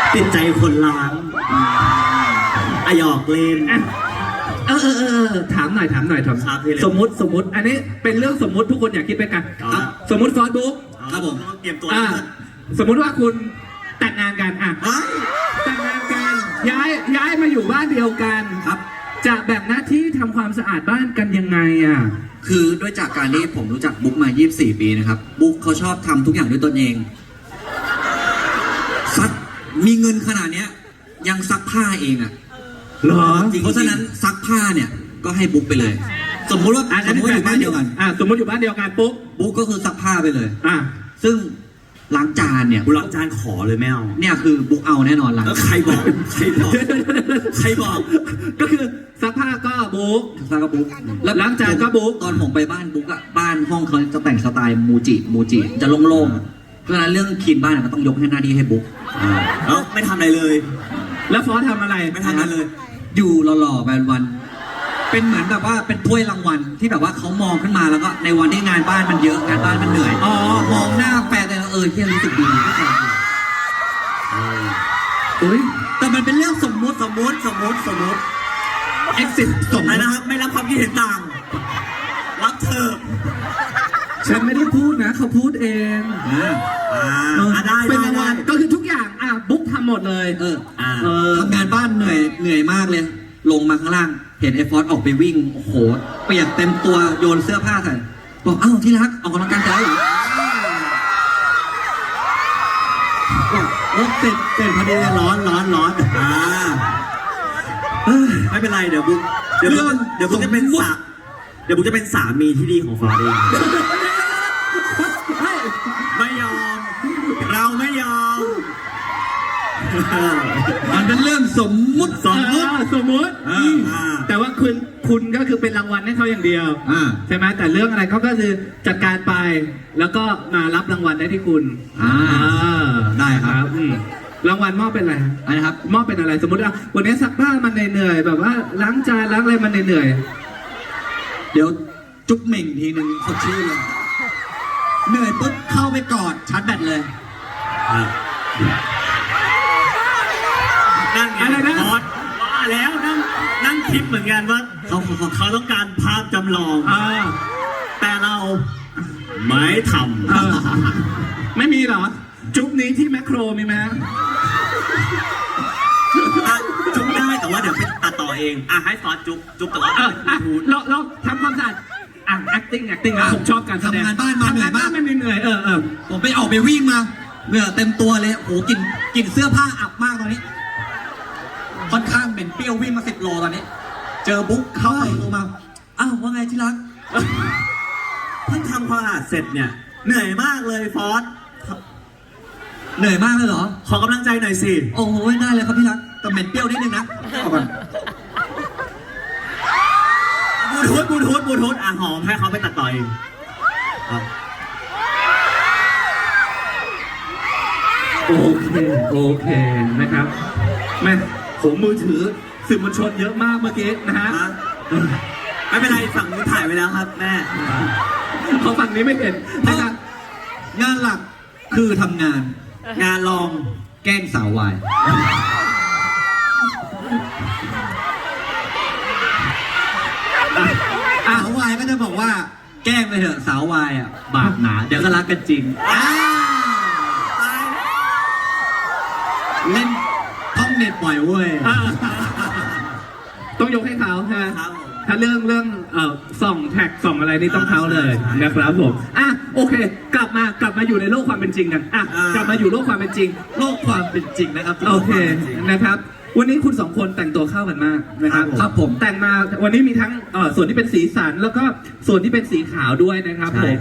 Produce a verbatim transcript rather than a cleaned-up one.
ติดใจคนล้างอะหยอกเล่นเออเออเออถามหน่อยถามหน่อยถามสมมติสมมติอันนี้เป็นเรื่องสมมติทุกคนอยากคิดไปกันสมมติฟอสบุ๊กครับผมเตรียมตัวสมมติว่าคุณแต่งงานกันอ่ะแต่งงานกันย้ายย้ายมาอยู่บ้านเดียวกันครับจะแบ่งหน้าที่ทำความสะอาดบ้านกันยังไงอ่ะคือด้วยจากการที่ผมรู้จักบุ๊กมายี่สิบสี่ปีนะครับบุ๊กเขาชอบทำทุกอย่างด้วยตนเองซักมีเงินขนาดเนี้ยยังซักผ้าเองอ่ะเหรอเพราะฉะนั้นซักผ้าเนี่ยก็ให้บุ๊กไปเลยสมมติว่าสมมติอยู่บ้านเดียวกันอ่ะสมมติอยู่บ้านเดียวกันปุ๊บบุ๊กก็คือซักผ้าไปเลยอ่ะซึ่งล้างจานเนี่ยล้างจานขอเลยแมวเนี่ยคือบุ๊กเอาแน่นอนล้างใครบอกใครบอกใครบอกก็คือซักผ้าก็บุ๊กซักก็บุ๊กแล้วล้างจานก็บุ๊กตอนผมไปบ้านบุ๊กอะบ้านห้องเขาจะแต่งสไตล์มูจิมูจิจะโล่งๆเพราะฉะนั้นเรื่องคลีนบ้านก็ต้องยกให้หน้าที่ให้บุ๊กแล้วไม่ทำอะไรเลยแล้วฟอสทำอะไรไม่ทำอะไรเลยอยู่หล่อๆไปวันเป็นเหมือนแบบว่าเป็นถ้วยรางวัลที่แบบว่าเขามองขึ้นมาแล้วก็ในวันที่งานบ้านมันเยอะงานบ้านมันเหนื่อยอ๋อมองหน้าแฟนเลยเออที่รู้สึกดีที่แฟนอุ้ยแต่มันเป็นเรื่องสมมุติสมมุติสมมุติสมมุติเอ็กซิสสมมุตินะครับไม่รับความคิดเห็นต่างรับเธอฉันไม่ได้พูดนะเขาพูดเองอ่าอ่าได้เป็นรางวัลก็คือทุกอย่างอ่ะบุ๊กทำหมดเลยเออเออทำงานบ้านเหนื่อยเหนื่อยมากเลยลงมาข้างล่างเห็นไอ้ฟอสออกไปวิ่งโอ้โหเปียกเต็มตัวโยนเสื้อผ้าใส่บอกอ้าวที่รักออกกำลังกายเหรอรถติดติดพอดีร้อนร้อนร้อนอ่าไม่เป็นไรเดี๋ยวบุ๊กเดี๋ยวบุ๊กเดี๋ยวบุ๊กจะเป็นสาเดี๋ยวบุ๊กจะเป็นสามีที่ดีของฟอสเองไม่ยอมเราไม่ยอมมันเป็นเรื่องสมมุติสมมุติสมมุติแต่ว่าคุณคุณก็คือเป็นรางวัลให้เขาอย่างเดียวใช่ไหมแต่เรื่องอะไรเขาก็คือจัดการไปแล้วก็มารับรางวัลได้ที่คุณได้ครับรางวัลมอบเป็นอะไรอะไรครับมอบเป็นอะไรสมมติว่าวันนี้ซักผ้ามันเหนื่อยแบบว่าล้างจานล้างอะไรมันเหนื่อยเดี๋ยวจุ๊บเหม่งทีนึงสดชื่นเลยเหนื่อยปุ๊บเข้าไปกอดชาร์จแบตเลยนั่นอะไรนะบอสว่าแล้วนั่งนั่งคิดเหมือนกันว่าเขาเขาต้องการภาพจำลองแต่เราไม่ทำไม่มีหรอจุ๊บนี้ที่แมคโครมีไหมจุ๊บได้แต่ว่าเดี๋ยวไปตัดต่อเองอ่ะให้ซอสจุ๊บจุ๊บแต่ว่าเราเราทำความสะอาดอ่ะ acting acting นะผมชอบการแสดงทำงานบ้านมาเหนื่อยมากไม่เหนื่อยเออเออผมไปออกไปวิ่งมาเหงื่อเต็มตัวเลยโอ้กลิ่นกลิ่นเสื้อผ้าอับมากตอนนี้ค่อนข้างเหม็นเปรี้ยววิ่งมาสิบโลตอนนี้เจอบุ๊กเข้าไปลงมาอ้าวว่าไงที่รักเพิ่งทำความสะอาดเสร็จเนี่ยเหนื่อยมากเลยฟอสเหนื่อยมากเลยเหรอขอกำลังใจหน่อยสิโอ้โหได้เลยครับที่รักแต่เหม็นเปรี้ยวนิดนึงนะเอาก่อนบูทูธบูทูธบูทูธอ่ะหอมให้เขาไปตัดต่อเองโอเคโอเคนะครับแม่ผมมือถือสื่อมวลชนเยอะมากเมื่อกี้นะฮะไม่เป็นไรฝั่งนี้ถ่ายไปแล้วครับแม่เขาฝั่งนี้ไม่เห็นนะครับงานหลักคือทำงานงานรองแกล้งสาววายสาววายก็จะบอกว่าแกล้งไปเถอะสาววายอ่ะบาปหนาเดี๋ยวก็รักกันจริงเล่นท่องเน็ตบ่อยเว้ยต้องยกให้เขาใช่ไหมถ้าเรื่องเรื่องเอ่อส่องแท็กส่องอะไรนี่ต้องเขาเลยนะครับผมอ่ะโอเคกลับมากลับมาอยู่ในโลกความเป็นจริงกันอ่ะกลับมาอยู่โลกความเป็นจริงโลกความเป็นจริงนะครับโอเคนะครับวันนี้คุณสองคนแต่งตัวเข้ากันมากนะครับครับผมแต่งมาวันนี้มีทั้งเอ่อส่วนที่เป็นสีสันแล้วก็ส่วนที่เป็นสีขาวด้วยนะครับผม